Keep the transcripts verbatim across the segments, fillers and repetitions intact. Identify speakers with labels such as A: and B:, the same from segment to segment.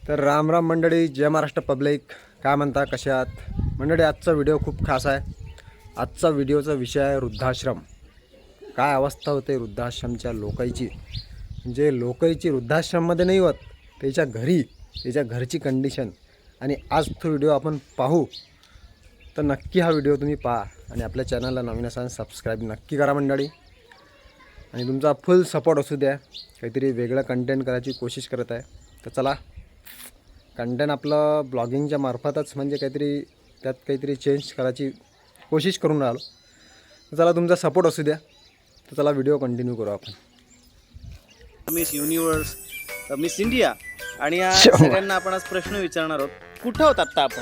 A: तर राम राम मंडळी, जय महाराष्ट्र पब्लिक. काय म्हणता, कसे आहात मंडळी? आजचा व्हिडिओ खूप खास आहे. आजचा व्हिडिओचा विषय आहे वृद्धाश्रम. काय अवस्था होते वृद्धाश्रमच्या लोकांची, म्हणजे लोकांची वृद्धाश्रममध्ये नाही होत, त्याच्या घरी, त्याच्या घरची कंडिशन. आणि आज तो व्हिडिओ आपण पाहू. तर नक्की हा व्हिडिओ तुम्ही पहा आणि आपल्या चॅनलला नवीन असाल सबस्क्राईब नक्की करा मंडळी. आणि तुमचा फुल सपोर्ट असू द्या. काहीतरी वेगळं कंटेंट करायची कोशिश करत आहे. तर चला, कंटेंट आपलं ब्लॉगिंगच्या मार्फतच, म्हणजे काहीतरी त्यात काहीतरी चेंज करायची कोशिश करून राहिलो. तर चला, तुमचा सपोर्ट असू द्या. तर चला, व्हिडिओ कंटिन्यू करू आपण.
B: मिस युनिवर्स, मिस इंडिया, आणि या सगळ्यांना आपण आज प्रश्न विचारणार आहोत. कुठं होत आता आपण?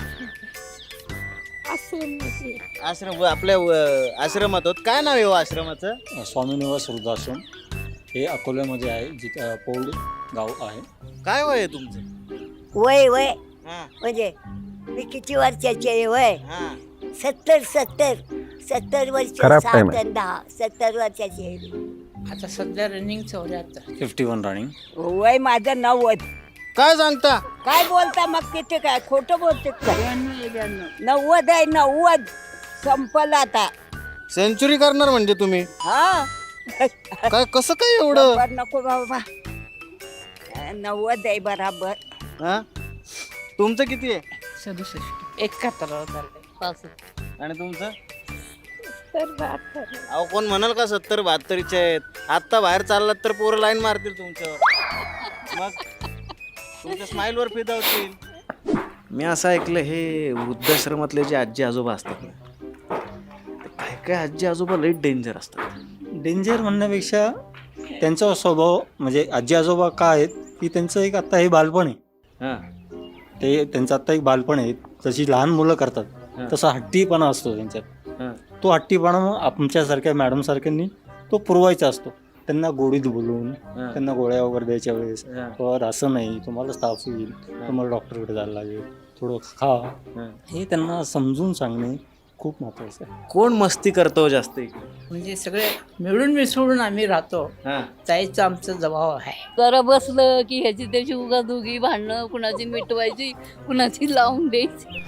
B: आश्रम, आपल्या अ, आश्रमात होत. काय नाव आहे हो आश्रमाचं?
C: स्वामी निवास वृद्धाश्रम हे अकोल्यामध्ये आहे, जिथं पौड गाव आहे.
B: काय वय आहे तुमचं?
D: वय वय
B: हा
D: म्हणजे मी किती वर्षाची आहे? वय
B: हा
D: सत्तर सत्तर सत्तर वर्ष,
A: खराब
D: सात
A: time आहे.
D: आणि दहा सत्तर वर्षाची आहे.
E: आता सध्या रनिंग चौऱ्याहत्तर.
C: Fifty one running.
D: वय माझं नव्वद.
B: काय सांगता?
D: काय बोलता मग? किती काय खोटं बोलते का? नव्वद आहे, नव्वद संपलं आता.
B: सेंचुरी करणार म्हणजे तुम्ही?
D: हा
B: काय, कसं काय एवढं?
D: शंभर नको बाबा, नव्वद आहे बराबर.
B: हा, तुमचं किती आहे?
E: सदुसष्ट एकाहत्तर चाललंय.
B: आणि तुमचं?
D: तर बहात्तर.
B: अहो, कोण म्हणाल का सत्तर बहात्तरीचे आहेत? आत्ता बाहेर चाललात तर पोरं लाईन मारतील तुमच्यावर, मग तुमच्या स्माईलवर फिदा होतील. मी असं ऐकलं, हे वृद्धाश्रमातले जे आजी आजोबा असतात ना, ते काय काय आजी आजोबा लई डेंजर असतात.
C: डेंजर म्हणण्यापेक्षा त्यांचा स्वभाव, म्हणजे आजी आजोबा काय आहेत की त्यांचं एक आत्ता हे बालपण आहे.
B: हां
C: ते त्यांचं आत्ता एक बालपण आहे. जशी लहान मुलं
B: हा.
C: करतात तसा हट्टीपणा असतो त्यांच्यात.
B: हां
C: तो हट्टीपणा मग आमच्यासारख्या मॅडमसारख्यांनी तो पुरवायचा असतो. त्यांना गोडीत बोलून,
B: हां.
C: त्यांना गोळ्या वगैरे द्यायच्या वेळेस,
B: हां.
C: तर असं नाही, तुम्हाला ताप येईल, तुम्हाला डॉक्टरकडे जायला लागेल, थोडं खा,
B: हां.
C: हे त्यांना समजून सांगणे खूप महत्त्वाचं आहे.
B: कोण मस्ती करतो जास्त इकडे?
E: म्हणजे सगळे मिळून मिसळून आम्ही राहतो.
B: हां
E: जायचं आमचं जबाब आहे.
F: जरा बसलं की ह्याची त्याची उगा दोघी भांडणं, कुणाची मिटवायची, कुणाची लावून द्यायची.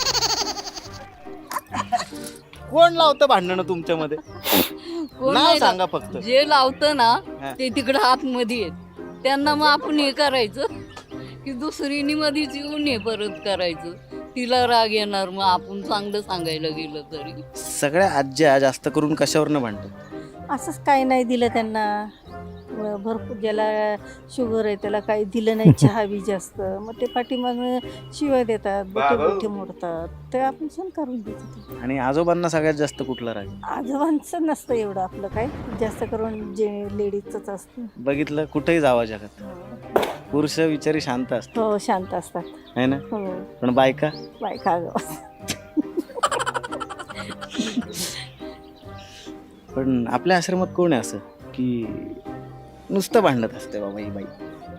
B: कोण लावतं भांडणं तुमच्यामध्ये?
F: कोण
B: नाव
F: नाही
B: सांगा फक्त.
F: लाव- जे लावतं ना
B: हा.
F: ते तिकडं आतमध्ये आहेत. त्यांना मग आपण हे करायचं की दुसरीनी मध्येच येऊन हे परत करायचं. तिला राग येणार, मग आपण चांगलं सांगायला गेलं तरी.
B: सगळ्या आज्या जास्त करून कशावरनं भांडतात?
G: असंच काही नाही दिलं त्यांना. व भरपूर ज्याला शुगर आहे त्याला काही दिलं नाही, चहा बी जास्त, मग ते पाठीमागं शिवाय देतात, बोटे बोटे मोडतात, ते आपण सण करून देतो.
B: आणि आजोबांना सगळ्यात जास्त कुठला राग?
G: आजोबांचं नसतं एवढं आपलं काय, जास्त करून जे लेडीजचंच असतं.
B: बघितलं, कुठेही जावं जगात पुरुष विचारी शांत असतात,
G: हो, शांत असतात.
B: है ना?
G: हो,
B: पण बायका
G: बायका आगाऊ.
B: पण आपल्या आश्रमात कोण आहे असं की नुसतं भांडत असते बाबा ही बाई?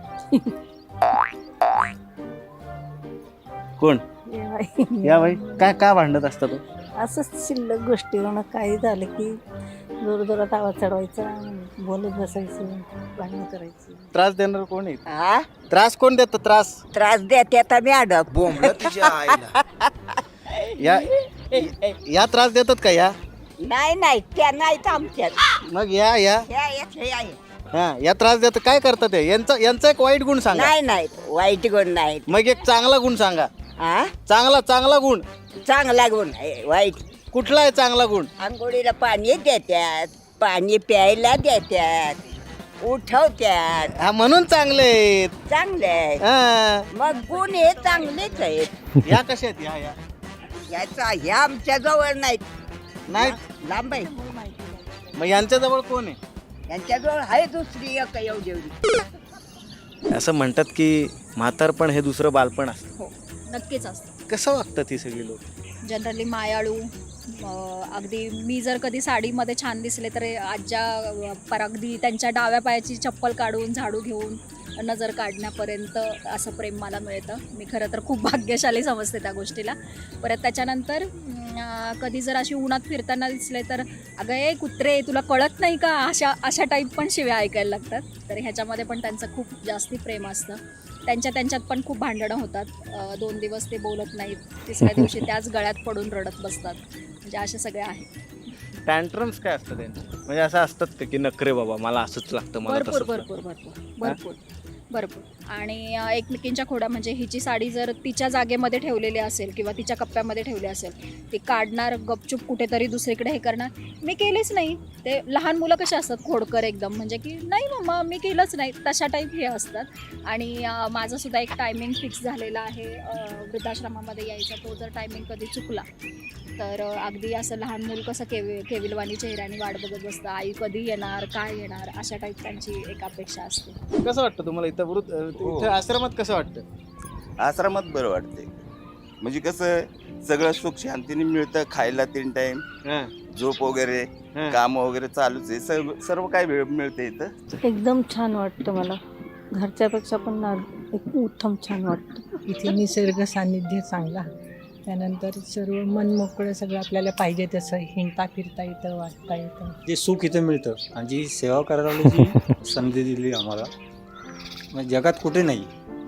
B: कोण?
G: हे बाई.
B: या बाई काय का भांडत असतात तो?
G: असंच शिल्लक गोष्टी होणं, काही झालं की जोर जोरात आवाज चढवायचा, बोलत बसायचं, भांडणं करायची.
B: त्रास देणार कोण आहे?
D: हा
B: त्रास कोण देतं? त्रास
D: त्रास देते आता मॅडम.
B: या या त्रास देतात का? या
D: नाही नाही, त्या नाहीत आमच्यात.
B: मग या या
D: ह्या येत हे आहे.
B: हा या त्रास देतात. काय करतात ते? यांचा यांचा एक वाईट गुण सांगा.
D: नाही नाही, वाईट गुण नाहीत.
B: मग एक चांगला गुण सांगा.
D: हा,
B: चांगला चांगला गुण
D: चांगला गुण आहे. वाईट,
B: कुठला आहे चांगला गुण?
D: आंघोळीला पाणी देतात, पाणी प्यायला देतात, उठवतात.
B: हा, म्हणून चांगले आहेत.
D: चांगले आहे.
B: हा.
D: मग गुण हे चांगलेच आहेत.
B: या कशा आहेत? या या
D: याचा ह्या आमच्या जवळ नाहीत,
B: नाही.
D: लांब आहे.
B: मग यांच्या जवळ कोण आहे?
D: यांच्याजवळ आहे दुसरी एक एवढी एवढी.
B: असं म्हणतात की म्हातारपण हे दुसरं बालपण असतं.
H: हो, नक्कीच असतं.
B: कसं वागतात ही सगळी लोक?
H: जनरली मायाळू. अं, अगदी मी जर कधी साडीमध्ये छान दिसले तर आज्या अं, पर अगदी त्यांच्या डाव्या पायाची चप्पल काढून झाडू घेऊन नजर काढण्यापर्यंत असं प्रेम मला मिळतं. मी खरं तर खूप भाग्यशाली समजते त्या गोष्टीला. परत त्याच्यानंतर अं, कधी जर अशी उन्हात फिरताना दिसले तर अगं ए कुत्रे, तुला कळत नाही का, अशा अशा टाईप पण शिव्या ऐकायला लागतात. तर ह्याच्यामध्ये पण त्यांचं खूप जास्ती प्रेम असतं. त्यांच्या त्यांच्यात पण खूप भांडणं होतात. अ, दोन दिवस ते बोलत नाहीत, तिसऱ्या दिवशी त्याच गळ्यात पडून रडत बसतात. म्हणजे अशा सगळ्या आहेत.
B: टँट्रम्स काय असतं त्यांचे? म्हणजे असं असतात का की नखरे बाबा मला असंच लागतं मला
H: भरपूर
B: तसंच
H: भरपूर भरपूर भरपूर भरपूर आणि अ, एकमेकींच्या खोड्या म्हणजे हिची साडी जर तिच्या जागेमध्ये ठेवलेली असेल किंवा तिच्या कप्प्यामध्ये ठेवली असेल, ती काढणार गपचूप कुठेतरी दुसरीकडे हे करणार, मी केलीच नाही. ते लहान मुलं कशी असतात खोडकर एकदम, म्हणजे की नाही मम्मा मी केलंच नाही, तशा टाईप हे असतात. आणि अ, माझं सुद्धा एक टायमिंग फिक्स झालेला आहे अ, वृद्धाश्रमामध्ये यायचा. तो जर टायमिंग कधी चुकला तर अ, अगदी असं लहान मूल कसं केवि केविलवाणी चेहऱ्याने वाट बघत बसतं, आई कधी येणार काय येणार, अशा टाईप त्यांची एक अपेक्षा असते.
B: कसं वाटतं तुम्हाला इथं वृद्ध इथं आश्रमात कसं वाटतं?
I: आश्रमात बरं वाटते. म्हणजे कसं सगळं सुख शांतीने मिळतं, खायला तीन टाइम,
B: हां,
I: झोप वगैरे,
B: हां.
I: काम वगैरे चालूच आहे. सर्व सर्व काय वेळ मिळते इथं.
G: एकदम छान वाटतं मला, घरच्यापेक्षा पण ना एक उत्तम छान वाटतं.
E: इथे निसर्ग सानिध्य चांगला, त्यानंतर सर्व मन मोकळं, सगळं आपल्याला पाहिजे तसं हिंडता फिरता येतं, वाचता येतं.
C: जे सुख इथे मिळतं आणि जी सेवा करायला जी संधी दिली आम्हाला, म्हणजे जगात कुठे नाही.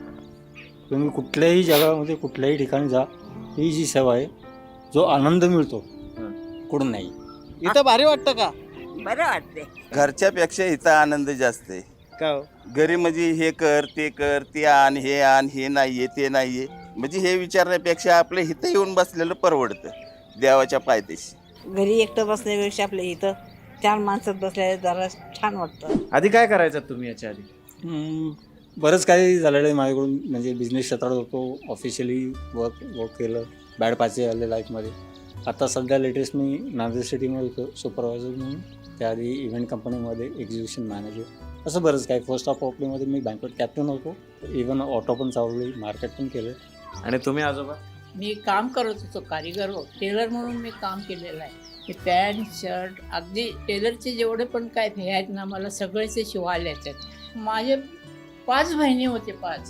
C: तुम्ही कुठल्याही जगामध्ये कुठल्याही ठिकाणी जा, ही जी सेवा आहे, जो आनंद मिळतो कुठं नाही.
B: इथं भारी वाटतं का?
D: बरं वाटते.
I: घरच्यापेक्षा इथं आनंद जास्त आहे.
B: का हो?
I: घरी म्हणजे हे कर ते कर ते आण हे आण हे नाहीये ते नाहीये, म्हणजे हे विचारण्यापेक्षा आपलं इथं येऊन बसलेलं परवडतं देवाच्या पायथ्याशी.
D: घरी एकटं बसण्यापेक्षा आपल्या इथं चार माणसात बसल्या जरा छान वाटतं.
B: आधी काय करायचं तुम्ही याच्या आधी?
C: हम्म, बरंच काही झालेलं आहे माझ्याकडून. म्हणजे बिझनेस क्षेत्रात होतो, ऑफिशियली वर्क वर्क केलं, बॅड पाचे आले लाईफमध्ये. आता सध्या लेटेस्ट मी नांदेड सिटीमध्ये होतो सुपरवायझर म्हणून, त्याआधी इव्हेंट कंपनीमध्ये एक्झिबिशन मॅनेजर, असं बरंच काय. फर्स्ट ऑफ ऑपलीमध्ये मी बँकवेट कॅप्टन होतो, इव्हन ऑटो पण चालवली, मार्केट पण केलं.
B: आणि तुम्ही आजोबा?
E: मी काम करत होतो, कारिगर हो टेलर म्हणून मी काम केलेलं आहे. मी पॅन्ट शर्ट अगदी टेलरचे जेवढे पण काय हे आहेत ना, मला सगळेचे शिवायला येतात. माझे पाच बहिणी होते, पाच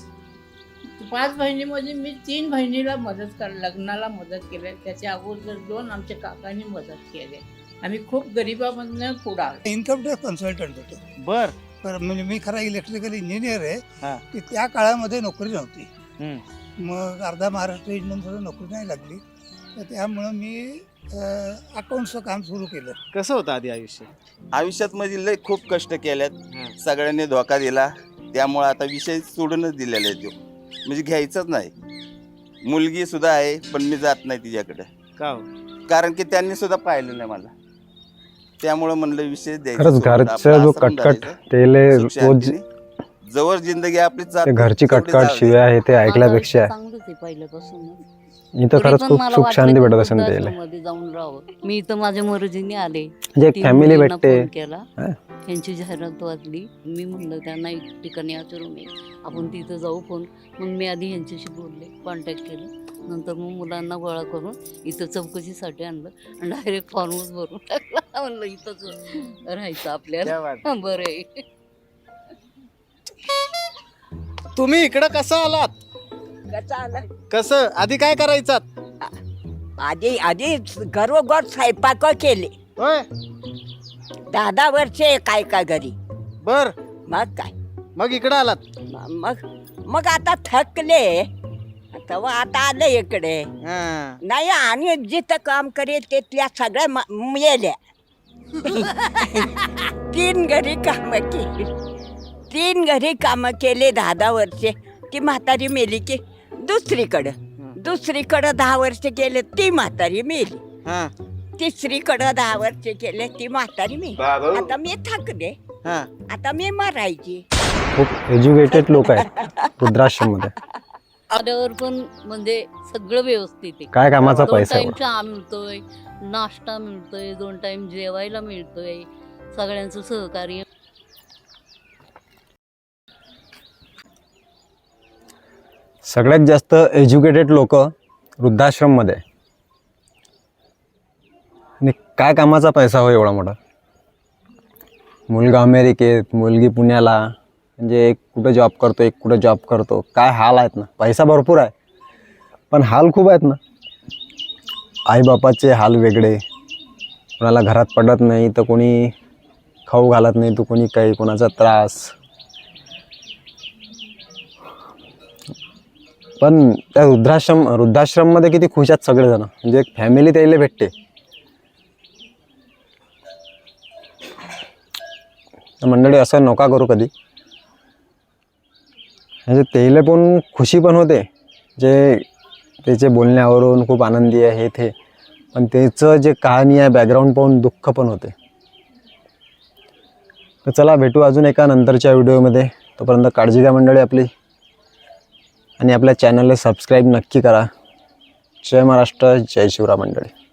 E: पाच बहिणीमध्ये मी तीन बहिणीला मदत कर लग्नाला मदत केली. त्याच्या अगोदर दोन आमच्या काकांनी मदत केली. आम्ही खूप गरिबामधनं पुढे आलो.
J: इन्कम टॅक्स कन्सल्टंट होतो.
B: बर
J: तर म्हणजे मी खरा इलेक्ट्रिकल इंजिनियर
B: हा.
J: आहे, की त्या काळामध्ये नोकरी नव्हती.
B: हम्म.
J: मग अर्धा महाराष्ट्र इंजिनियर नोकरी नाही लागली, तर त्यामुळं मी अकाउंटचं काम सुरू केलं.
B: कसं होतं आधी आयुष्य?
I: आयुष्यात म्हणजे लय खूप कष्ट केल्यात,
B: हं.
I: सगळ्यांनी धोका दिला, त्यामुळं आता विषय सोडूनच दिलेला आहे तो, म्हणजे घ्यायचाच नाही. मुलगी सुद्धा आहे पण मी जात नाही तिच्याकडे,
B: का हो?
I: कारण की त्यांनी सुद्धा पाहिलं नाही मला. त्यामुळं म्हणलं विषय द्यायचा
A: खरंच
I: सोडून.
A: घरचं
I: आपलं
A: जो
I: आश्रम
A: कटकट
I: धरायचं,
A: ते लय
I: सुख
A: रोज
I: शांतीने. जवळ जिंदगी आपली
A: ते
I: जाते,
A: घरची
I: तेवढी
A: कटकट
I: जाऊ दे.
A: शिव्या आहे ते ऐकल्यापेक्षा
F: चांगलंच आहे पहिल्यापासून.
A: इथं खरंच खूप सुख शांती भेटत असेल त्याला.
F: मध्ये जाऊन राहावं. मी इथं माझ्या मर्जीने आले.
A: म्हणजे एक
F: तीन
A: फॅमिली
F: मुलींना
A: भेटते.
F: फोन केला,
A: हा.
F: त्यांची जाहिरात वाचली. मी म्हणलं त्यांना एक ठिकाणी आचरून ये, आपण तिथं जाऊ. फोन मग मी आधी ह्यांच्याशी बोलले, कॉन्टॅक्ट केलं. नंतर मग मुलांना गोळा करून इथं चौकशीसाठी आणलं आणि डायरेक्ट फॉर्मच भरून टाकला. म्हणलं इथंच राहायचं आपल्याला.
B: क्या बात.
F: हं, बरं आहे.
B: तुम्ही इकडं कसं आलात?
D: कसं आलं?
B: कसं आधी काय करायचात?
D: आधी आधी घरोघर स्वयंपाक केले.
B: होय.
D: दहा दहा वर्षे काय काय घरी.
B: बर
D: मग काय
B: मग इकडं आलात?
D: म- मग मग आता थकले, तेव्हा आता आलं इकडे.
B: हां.
D: नाही आणि जिथं काम करेल तिथल्या सगळ्या म- मेल्या. तीन घरी कामं केली, तीन घरी कामं केले दहा दहा वर्षे. ती म्हातारी मेली की दुसरीकडं, दुसरीकडं दहा वर्ष केले ती म्हातारी मेली.
B: हां.
D: तिसरीकडं दहा वर्ष केले ती म्हातारी मेली. आता मी थकले,
B: हां.
D: आता मी मरायची.
A: खूप एज्युकेटेड लोक आहेत वृद्धाश्रम मध्ये.
F: आल्यावर पण म्हणजे सगळं व्यवस्थित आहे.
A: काय कामाचा
F: दोन
A: पैसा
F: टाइम
A: एवढा.
F: चहा मिळतोय, नाश्ता मिळतोय, दोन टाइम जेवायला मिळतोय, सगळ्यांचं सहकार्य.
A: सगळ्यात जास्त एज्युकेटेड लोक वृद्धाश्रम मध्ये. आणि काय कामाचा पैसा हो एवढा मोठा. मुलगा अमेरिकेत, मुलगी पुण्याला, म्हणजे एक कुठं जॉब करतो, एक कुठं जॉब करतो. काय हाल आहेत ना. पैसा भरपूर आहे पण हाल खूप आहेत ना. आईबापाचे हाल वेगळे, कोणाला घरात पडत नाही तर कोणी खाऊ घालत नाही तर कोणी काही, कोणाचा त्रास. पण त्या वृद्धाश्रम वृद्धाश्रममध्ये किती खुश आहेत सगळेजण, म्हणजे एक फॅमिली त्याला भेटते. तर मंडळी असं नका करू कधी, म्हणजे त्याला पण खुशी पण होते, जे त्याचे बोलण्यावरून खूप आनंदी आहे हे ते, पण त्याचं जे कहाणी आहे बॅकग्राऊंड पाहून दुःख पण होते. तर चला भेटू अजून एका नंतरच्या व्हिडिओमध्ये. तोपर्यंत काळजी घ्या मंडळी आपली, आणि आपल्या चॅनलला सबस्क्राईब नक्की करा. जय महाराष्ट्र, जय शिवराय मंडळी.